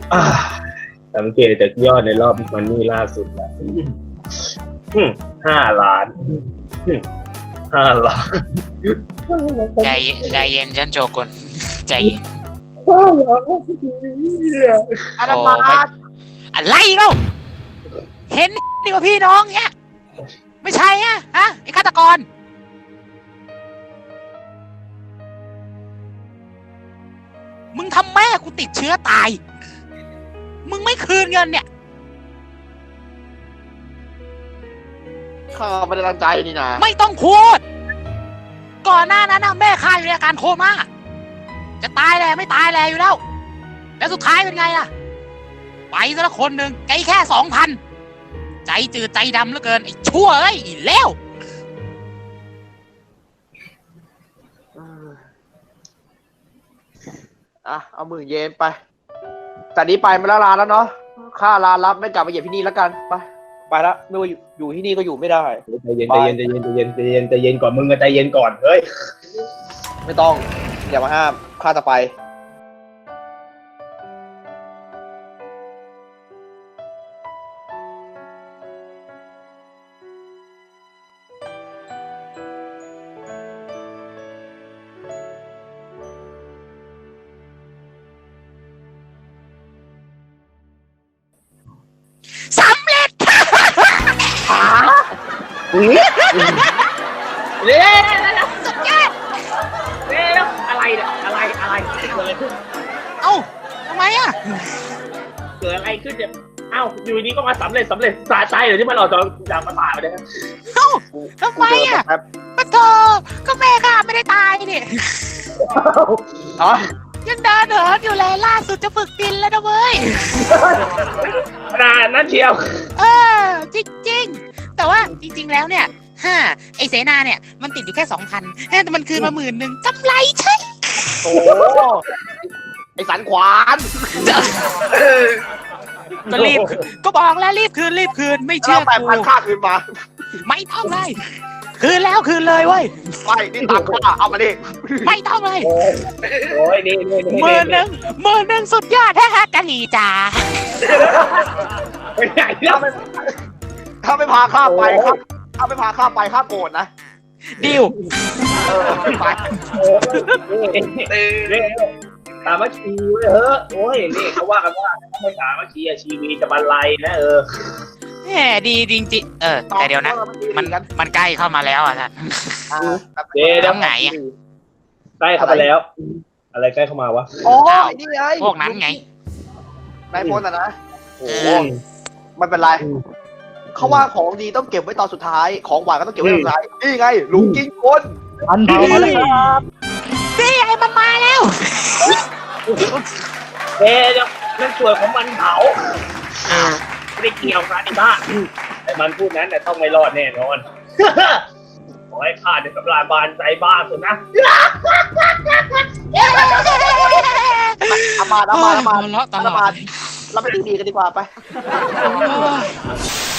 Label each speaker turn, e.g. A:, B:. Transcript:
A: อ่าสังเกตจากยอดในรอบมันนี่ล่าสุดแล้ว5 ล้าน5 ล้าน
B: ใจเย็นฉันโจกุนใจเย็น
C: อาดามา
B: อะไรเล่าเห็นดีกว่าพี่น้องเนี้ยไม่ใช่ฮะไอ้ฆาตกรมึงทำแม่กูติดเชื้อตายมึงไม่คืนเงินเนี่ย
C: ข้าไม่ได้ตั้งใจนี่นะ
B: ไม่ต้องพูดก่อนหน้านั้นนะแม่ข้าอยู่ในอาการโคม่าจะตายแหละไม่ตายแหละอยู่แล้วแล้วสุดท้ายเป็นไงล่ะไปซะละคนหนึ่งไกลแค่2,000ใจจืดใจดำเหลือเกินไอ้ชั่วเอ้ยอีเลว
C: เอา10,000 เยนไปจากนี้ไปมาแล้วลาแล้วเนาะค่าลารับไม่กลับมาเหยียบที่นี่แล้วกันไปแล้วไม่ว่าอยู่ที่นี่ก็อยู่ไม่ได้
A: ใจเย็นใจเย็นก่อนมึงใจเย็นก่อนเฮ้ย
C: ไม่ต้องอย่ามาห้ามข้าจะไป
B: สำเร็จ
A: เร็ว
B: สุดยอด
A: เร็วอะไรเนี่ยอะไรเกิดอะไรขึ้น
B: เอ้าทำไมอ่ะ
A: เกิดอะไรขึ้นเนี่ยเอ้าอยู่ดีก็มาสำเร็จสาใจเหรอที่มันออกจากมาตายไปเนี่ย
B: เอ้าทำไมอ่ะปะโถก็แม่ข้าไม่ได้ตายนี่
C: อ๋อ
B: ยังเดินเหินอยู่เลยล่าสุดจะฝึกบินแล้วนะเว้ย
A: ขนาดนั้นเชียว
B: จริงๆแต่ว่าจริงๆแล้วเนี่ยไอเสนาเนี่ยมันติดอยู่แค่ 2,000แต่มันคืนมา10,000กำไรใช่
C: โอ้ไอสันขวาน
B: ก็รีบก็บอกแล้วรีบคืนไม่เชื่อ
C: 8,000
B: กู
C: ค่าคืนมา
B: ไม่ต้องเลยคืนแล้วคืนเลยเว้ย
C: ไปนี่ตังค่าเอามาดิ
B: ไม่ต้องเลย
A: โอ้ยนี่
B: 10,000สุดยอดแท้ๆกะหรี่จ้า
A: ไปไหนแล้ว
C: ถ้าไม่พาข้าไปครับถ้าไม่พาข้าไปข้าโกรธนะ
B: ดิว
C: ไป
A: นี่สามัคคีเว้ยโอ้ยนี่เขาว่ากันว่าถ้าไม่สามัคคีชีวีจะบรรลัยนะ
B: แหมดีจริงๆแต่เดี๋ยวนะมันใกล้เข้ามาแล้วอ่ะท่าน
A: เดี๋ยว
B: แล้วไงอ่ะ
A: ใกล้เข้ามาแล้ว อะไรใกล้เข้ามาวะ
C: โอ้ยนี่ไง
B: พวกนั้นไง
C: นายพลนะโอ้ไม่เป็นไรเขาว่าของดีต้องเก็บไว้ตอนสุดท้ายของหวานก็ต้องเก็บไว้ตอนสุดท้ายนี่ไงลุงกินคน
D: อันเผามาเลยครับ
B: นี่ไอ้มันมาแล้ว
A: เดี๋ยวนั่นส่วนของมันเผาไม่ได้เกี่ยวกันไอ้บ้าแต่มันพูดนั้นแต่ต้องไม่รอดแน่นอนขอให้ข้าในสำราญบานใจบ้าสุดนะ
C: เอามา
B: เลาะตลอด
C: เราไปดีๆกันดีกว่าไป